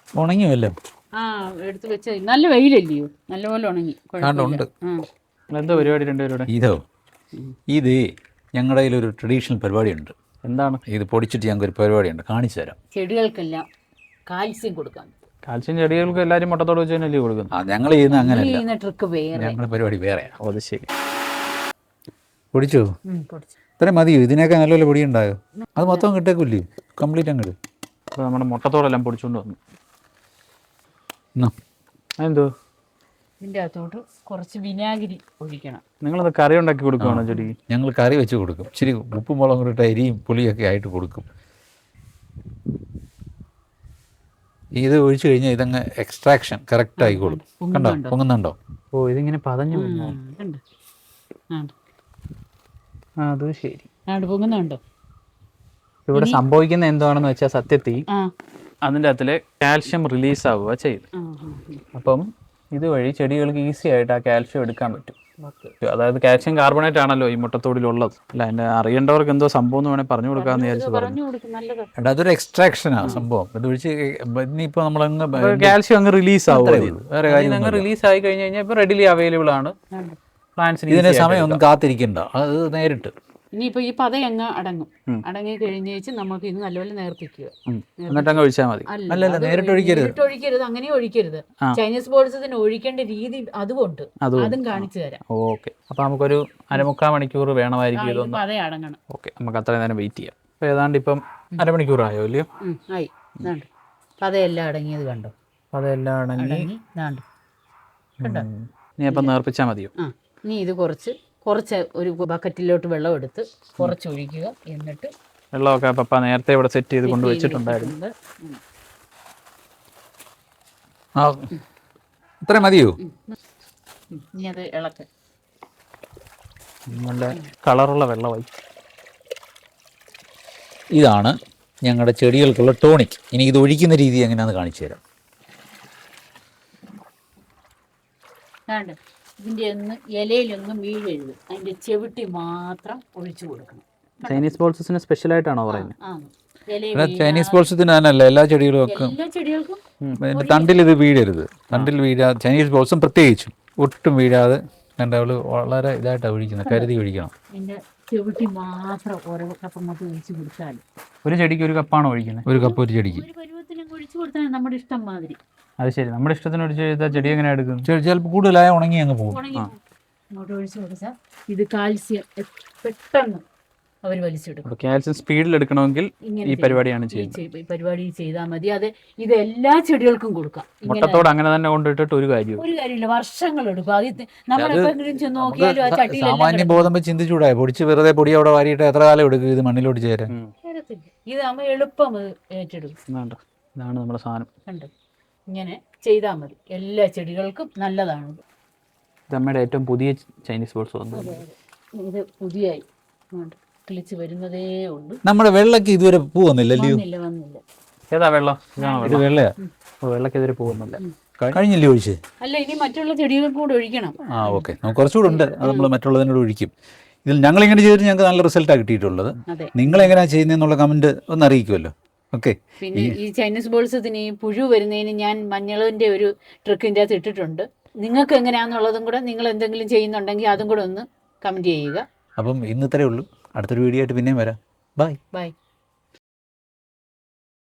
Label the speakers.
Speaker 1: ഉണങ്ങിയല്ലോ.
Speaker 2: ആ എടുത്ത് വെച്ച നല്ല വെയിലല്ലയോ, നല്ലപോലെ ഉണങ്ങി.
Speaker 1: ഉണ്ട്.
Speaker 3: എന്താ പരിപാടി രണ്ടുപേരുടെ?
Speaker 1: ഇത് ഞങ്ങളുടെ കയ്യിലൊരു ട്രഡീഷണൽ പരിപാടിയുണ്ട്.
Speaker 3: എന്താണ്?
Speaker 1: ഇത് പൊടിച്ചിട്ട് ഞങ്ങൾക്ക് ഒരു പരിപാടിയുണ്ട്, കാണിച്ചു തരാം.
Speaker 2: ചെടികൾക്കെല്ലാം കാൽസ്യം കൊടുക്കാൻ.
Speaker 3: കാൽസ്യം ചെടികൾക്ക് എല്ലാവരും മുട്ടത്തോട് വെച്ച് തന്നെയല്ലേ കൊടുക്കുന്നത്?
Speaker 1: ഞങ്ങൾ ചെയ്യുന്ന അങ്ങനെയല്ല,
Speaker 2: ട്രിക്ക് വേറെ,
Speaker 1: ഞങ്ങളുടെ പരിപാടി വേറെയാണ്.
Speaker 3: അത് ശരി.
Speaker 1: പൊടിച്ചോ? ഇത്രയും മതിയോ? ഇതിനൊക്കെ നല്ലപോലെ പൊടി ഉണ്ടായോ? അത് മൊത്തം കിട്ടേക്കില്ലേ? കംപ്ലീറ്റ് അങ്ങോട്ട്.
Speaker 3: അപ്പോൾ നമ്മുടെ മുട്ടത്തോടെല്ലാം പൊടിച്ചുകൊണ്ട് വന്നു. എന്തോ
Speaker 2: ഇതിൻ്റെ അകത്തോട്ട് കുറച്ച് വിനാഗിരി ഒഴിക്കണം.
Speaker 3: നിങ്ങളത് കറി ഉണ്ടാക്കി കൊടുക്കുകയാണോ ചെടി?
Speaker 1: ഞങ്ങൾ കറി വെച്ച് കൊടുക്കും. ഇച്ചിരി ഉപ്പും മുളകും കൂടി ഇട്ട് അരിയും പുളിയൊക്കെ ആയിട്ട് കൊടുക്കും. ഇത് ഒഴിച്ചു കഴിഞ്ഞാൽ ഇതങ്ങ് എക്സ്ട്രാക്ഷൻ കറക്റ്റ് ആയിക്കോളും. കണ്ടോ, പൊങ്ങുന്നുണ്ടോ?
Speaker 3: ഓ, ഇതിങ്ങനെ പതഞ്ഞു പോകുന്നു. അത് ശരി,
Speaker 2: പൊങ്ങുന്നുണ്ടോ?
Speaker 3: ഇവിടെ സംഭവിക്കുന്ന എന്താണെന്ന് വെച്ചാൽ സത്യത്തിൽ അതിൻ്റെ അകത്തിലെ കാൽഷ്യം റിലീസ് ആവുക ചെയ്തു. അപ്പം ഇതുവഴി ചെടികൾക്ക് ഈസി ആയിട്ട് ആ കാൽഷ്യം എടുക്കാൻ പറ്റും. അതായത് കാൽഷ്യം കാർബണേറ്റ് ആണല്ലോ ഈ മുട്ടത്തോടിലുള്ളത്. അല്ല, എൻ്റെ അറിയേണ്ടവർക്ക് എന്തോ സംഭവം എന്ന് വേണമെങ്കിൽ പറഞ്ഞു കൊടുക്കാമെന്ന് വിചാരിച്ചു പറഞ്ഞു.
Speaker 1: അതൊരു എക്സ്ട്രാക്ഷനാണ് സംഭവം. ഇത് ഒഴിച്ച് ഇനിയിപ്പോൾ നമ്മളങ്ങ്
Speaker 3: കാൽഷ്യം അങ്ങ് റിലീസ് ആവുക. വേറെ കാര്യം അങ്ങ് റിലീസ് ആയി കഴിഞ്ഞ് കഴിഞ്ഞാൽ ഇപ്പോൾ റെഡിലി അവൈലബിൾ ആണ് പ്ലാന്റ്സിന്.
Speaker 1: ഇതിന് സമയം ഒന്നും കാത്തിരിക്കണ്ട, അത് നേരിട്ട്.
Speaker 2: ഇനിയിപ്പോൾ ഈ പത അങ്ങ് അടങ്ങി കഴിഞ്ഞ് വെച്ച് നമുക്ക് ഇത് നല്ലപോലെ നേർപ്പിക്കുക.
Speaker 3: എന്നിട്ട് അങ്ങ് ഒഴിച്ചാൽ മതി.
Speaker 1: അല്ലല്ല, നേരിട്ട്
Speaker 2: ഒഴിക്കരുത്, അങ്ങനെ ഒഴിക്കരുത്. ചൈനീസ് ബോൾസത്തിന് ഒഴിക്കേണ്ട രീതി അതുകൊണ്ട് അതും കാണിച്ചു തരാം.
Speaker 3: ഓക്കെ, അപ്പോൾ നമുക്കൊരു 1/4 മണിക്കൂർ വേണമായിരിക്കും ഇതൊന്ന്
Speaker 2: പത അടങ്ങണം.
Speaker 3: ഓക്കെ, നമുക്ക് അത്രയും നേരം വെയിറ്റ് ചെയ്യാം. അപ്പോൾ ഏതാണ്ട് ഇപ്പം 1/2 മണിക്കൂർ ആയോ ഇല്ലയോ?
Speaker 2: ആയി. പതയെല്ലാം അടങ്ങിയത് കണ്ടോ?
Speaker 3: പതയെല്ലാം അടങ്ങി.
Speaker 2: കണ്ടോ?
Speaker 3: നീ അപ്പം നേർപ്പിച്ചാൽ മതിയോ?
Speaker 2: നീ ഇത് കുറച്ച് ഒരു ബക്കറ്റിലോട്ട് വെള്ളം എടുത്ത് കുറച്ച് ഒഴിക്കുക. എന്നിട്ട്
Speaker 3: വെള്ളമൊക്കെ പപ്പ നേരത്തെ ഇവിടെ സെറ്റ് ചെയ്ത് കൊണ്ട് വെച്ചിട്ടുണ്ടായിരുന്നു.
Speaker 1: ഇത്ര മതിയോ?
Speaker 2: ഇനി അത് ഇളക്ക്.
Speaker 3: നല്ല കളറുള്ള വെള്ളമായി.
Speaker 1: ഇതാണ് ഞങ്ങളുടെ ചെടികൾക്കുള്ള ടോണിക്. ഇനി ഇത് ഒഴിക്കുന്ന രീതി എങ്ങനെയാണെന്ന് കാണിച്ചു തരാം.
Speaker 2: ഇതിൻ്റെ ഒന്ന് ഇലയിലൊന്നും വീഴരുത്, അതിൻ്റെ ചെവിട്ടി മാത്രം ഒഴിച്ചു കൊടുക്കണം.
Speaker 3: ചൈനീസ് ബോൾസസിന് സ്പെഷ്യലായിട്ടാണോ പറയുന്നത്?
Speaker 1: ചൈനീസ് ബോൾസത്തിന് തന്നെയല്ല, എല്ലാ ചെടികളും ഒക്കെ തണ്ടിൽ ഇത് വീഴരുത്. തണ്ടിൽ വീഴാതെ, ചൈനീസ് ബോൾസും പ്രത്യേകിച്ചും ഒട്ടും വീഴാതെ രണ്ടാൾ വളരെ ഇതായിട്ടാണ് ഒഴിക്കുന്നത്, കരുതി ഒഴിക്കണം.
Speaker 2: ചെവിട്ടി മാത്രം ഓരോ കപ്പ് മൊത്തം ഒഴിച്ചു കൊടുത്താൽ.
Speaker 3: ഒരു ചെടിക്ക് ഒരു കപ്പാണോ ഒഴിക്കുന്നത്?
Speaker 1: ഒരു കപ്പ് ഒരു ചെടിക്ക്.
Speaker 2: ഒഴിച്ചു കൊടുത്താൽ നമ്മുടെ ഇഷ്ടം മാതിരി.
Speaker 3: അത് ശരി, നമ്മുടെ ഇഷ്ടത്തിന് ഒഴിച്ച് ചെയ്താൽ ചെടി എങ്ങനെ എടുക്കും?
Speaker 1: ചിലപ്പോൾ കൂടുതലായ ഉണങ്ങി അങ്ങ് പോകും.
Speaker 2: ഇങ്ങോട്ട് ഒഴിച്ചു കൊടുത്താൽ ഇത് കാൽസ്യം പെട്ടെന്ന് അവർ വലിച്ചെടുക്കും.
Speaker 3: കാൽസ്യം സ്പീഡിൽ എടുക്കണമെങ്കിൽ ഈ പരിപാടിയാണ് ചെയ്യുന്നത്.
Speaker 2: ഈ പരിപാടി ചെയ്താൽ മതി. അത് ഇത് എല്ലാ ചെടികൾക്കും കൊടുക്കാം.
Speaker 3: മുട്ടത്തോട് അങ്ങനെ തന്നെ കൊണ്ടിട്ടിട്ട് ഒരു
Speaker 2: കാര്യമില്ല, വർഷങ്ങൾ എടുക്കും. അത് നമ്മളെപ്പോഴും ചെന്ന് നോക്കിയാലും ആ ചട്ടിയിൽ
Speaker 1: സാമാന്യ ബോധം വെച്ച് ചിന്തിച്ചൂടാ. പൊടിച്ച് വെറുതെ പൊടി അവിടെ വാരിയിട്ട് എത്ര കാലം എടുക്കും ഇത് മണ്ണിലോട്ട് ചേരാൻ?
Speaker 2: ഇത് നമ്മൾ എളുപ്പം ഏറ്റെടുക്കും.
Speaker 3: ഇതാണ് നമ്മുടെ സാധനം.
Speaker 2: കണ്ടു, ഇങ്ങനെ ചെയ്താൽ മതി. എല്ലാ ചെടികൾക്കും നല്ലതാണ്.
Speaker 3: ഇത് അമ്മയുടെ ഏറ്റവും പുതിയ ചൈനീസ് ബോൾസ് വന്നു.
Speaker 2: ഇത് പുതിയായി കിളിച്ച് വരുന്നതേ ഉള്ളൂ.
Speaker 1: നമ്മുടെ വെള്ളക്ക് ഇതുവരെ പൂ വന്നില്ലല്ലോ.
Speaker 2: വന്നില്ല.
Speaker 3: ഏതാ വെള്ളം?
Speaker 1: ഇത് വെള്ളയാ.
Speaker 3: വെള്ളക്ക് ഇതുവരെ പോകുന്നില്ല.
Speaker 1: കഴിഞ്ഞില്ലേ ഒഴിച്ച്?
Speaker 2: അല്ല, ഇനി മറ്റുള്ള ചെടികൾക്ക് കൂടെ ഒഴിക്കണം.
Speaker 1: ഓക്കെ, നമുക്ക് കുറച്ചുകൂടെ ഉണ്ട്. അത് നമ്മൾ മറ്റുള്ളതിനോട് ഒഴിക്കും. ഇതിൽ ഞങ്ങളിങ്ങനെ ചെയ്തിട്ട് ഞങ്ങൾക്ക് നല്ല റിസൾട്ടാണ് കിട്ടിയിട്ടുള്ളത്. നിങ്ങളെങ്ങനെയാണ് ചെയ്യുന്നതെന്നുള്ള കമൻറ്റ് ഒന്ന് അറിയിക്കുമല്ലോ. ഓക്കെ.
Speaker 2: പിന്നെ ഈ ചൈനീസ് ബോൾസത്തിന് ഈ പുഴു വരുന്നതിന് ഞാൻ മഞ്ഞളിൻ്റെ ഒരു ട്രിക്കിൻ്റെ അകത്ത് ഇട്ടിട്ടുണ്ട്. നിങ്ങൾക്ക് എങ്ങനെയാണെന്നുള്ളതും കൂടെ നിങ്ങൾ എന്തെങ്കിലും ചെയ്യുന്നുണ്ടെങ്കിൽ അതും കൂടെ ഒന്ന് കമൻറ്റ് ചെയ്യുക.
Speaker 1: അപ്പം ഇന്നത്രേ ഉള്ളൂ. അടുത്തൊരു വീഡിയോ ആയിട്ട് പിന്നെയും വരാം. ബൈ.